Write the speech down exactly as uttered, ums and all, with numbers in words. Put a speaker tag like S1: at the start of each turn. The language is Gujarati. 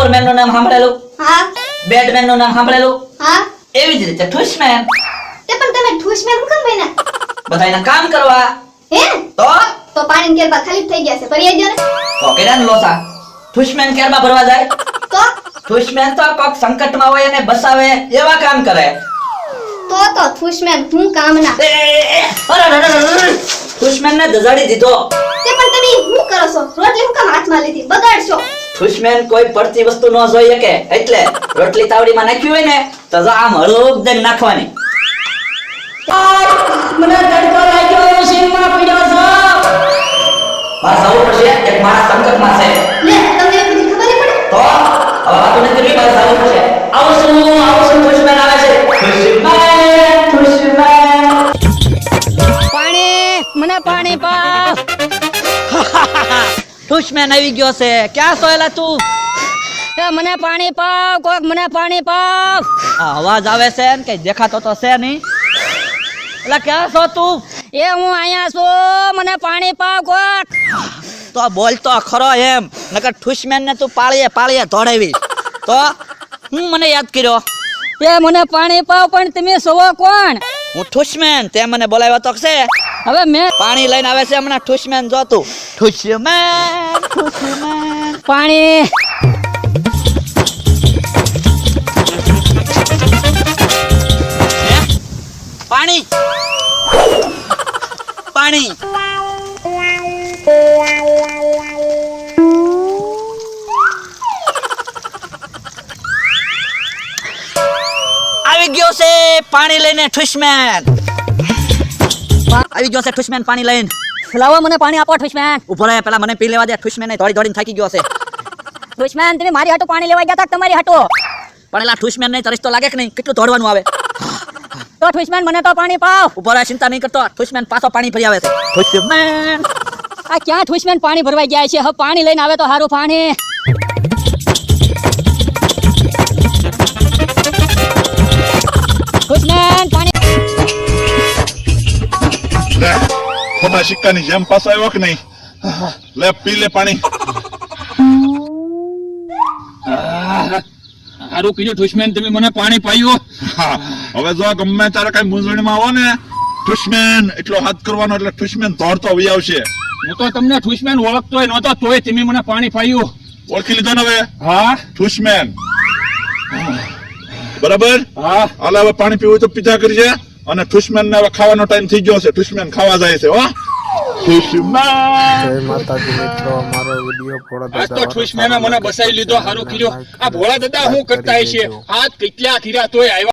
S1: સુપરમેન નું નામ સાંભળેલું?
S2: હા
S1: બેટમેન નું નામ સાંભળેલું?
S2: હા
S1: એવી જ રીતે ઠુસમેન.
S2: તે પણ તમે ઠૂસમેન હું કેમ બન્યા?
S1: બધાયના કામ કરવા.
S2: હે
S1: તો
S2: તો પાણી કેરબા ખાલી થઈ ગયા છે ભરી આવજો ને.
S1: તો કેરાન લોસા. ઠુસમેન કેરમાં ભરવા જાય?
S2: તો
S1: ઠુસમેન તો કોક સંકટમાં હોય અને બસાવે એવા કામ કરે.
S2: તો તો ઠૂસમેન હું કામના.
S1: એ, એ, એ, અરે, અરે, અરે, અરે. ઠુસમેન ને દજાડી દીધો.
S2: તે પણ તમે હું કરો છો? રોટલી હું કામ હાથમાં લીધી બગાડશો?
S1: ઠુસમેન કોઈ પડતી વસ્તુ ન જોઈ શકે એટલે રોટલી તાવડીમાં નાખ્યું હોય ને તો જો આમ હળૂક દઈને નાખવાની.
S3: મને તડકો લાગ્યો શેરમાં પડ્યો છો.
S1: બસ આવું પડશે એક માણસ સંકટમાં છે.
S2: લે તમને એ બધી ખબર નહીં પડે?
S1: તો હવે વાતો નથી કરવી, બસ આવું પડશે. આવું શું આવું શું ઠુસમેન આવે છે. ઠુસમેન ઠુસમેન.
S3: પાણી મને પાણી પાવ.
S4: ઠુસમેન આવી ગયો છે. ક્યાં સોયલા તું?
S3: એ મને પાણી પાવ કોક મને પાણી પાવ.
S4: આ અવાજ આવે છે ને કઈ દેખાતો તો છે નહીં. એટલે ક્યાં છો તું?
S3: એ હું અહીંયા છું મને પાણી પાવ કોક.
S4: તો બોલતો ખરો એમ, નકર ઠુસમેન ને તું પાળીએ પાળીએ ધોડાવી. તો હું મને યાદ કર્યો.
S3: એ મને પાણી પાવ પણ તમે સોવો કોણ?
S4: હું ઠુસમેન, તે મને બોલાવ્યો તો છે.
S3: હવે મેં
S4: પાણી લઈને આવે છે હમણાં ઠુસમેન. જો તું ઠુસમેન ઠુસમેન.
S3: પાણી
S4: હે? પાણી પાણી. આવી ગયો છે પાણી લઈને ઠુસમેન. આવી ગયો છે ઠુસમેન પાણી લઈને.
S3: લાવો મને પાણી આપો ઠુસમેન.
S4: ઉભો રહે, પેલા મને પી લેવા દે. ઠુસમેન ને દોડી દોડીને થાકી ગયો છે.
S3: ઠુસમેન તમે મારી હાટુ પાણી લેવા ગયા તા કે તમારી હાટુ?
S4: પણ એલા ઠુસમેન ને તરસ તો લાગે કે નહીં? કેટલું દોડવાનું આવે.
S3: તો ઠુસમેન મને તો પાણી પાવ.
S4: ઉભો રહે, ચિંતા નહીં કરતો. ઠુસમેન પાછો પાણી ભરી આવે છે. ઠુસમેન
S3: આ ક્યાં ઠુસમેન પાણી ભરવા ગયા છે? હવે પાણી લઈને આવે તો સારું પાણી. ઠુસમેન પાણી.
S5: લે ખોટા સિક્કાની જેમ પાછો આવ્યો કે નહીં? લે પી લે પાણી.
S6: હારું કીધું ઠુસમેન, તમે મને પાણી પાયું.
S5: હા, હવે જો ગમે તારે કઈ મૂંઝવણમાં આવો ને ઠુસમેન એટલો હાથ કરવાનો એટલે ઠુસમેન દોડતો વહી આવશે.
S6: હું તો તમને ઠુસમેન ઓળખતોય નહોતો, તોય તમે મને પાણી પાયું.
S5: ઓળખી લીધો ને હવે?
S6: હા
S5: ઠુસમેન બરાબર.
S6: હા
S5: હાલ હવે પાણી પીવું તો પીધા કરજે. અને ઠુસમેન ને હવે ખાવાનો ટાઈમ થઈ ગયો છે. ઠુસમેન ખાવા જાય છે. હો ઠુસમેન.
S7: જય માતાજી મિત્રો, મારો વિડિયો ભોળા
S6: આજ
S7: દાદા
S6: તો ઠુસમેને મને બસાવી લીધો. હારું કીધું. આ ભોળા દાદા શું કરતા હશે? હાથ કેટલા ખીરા તોય આવ્યા.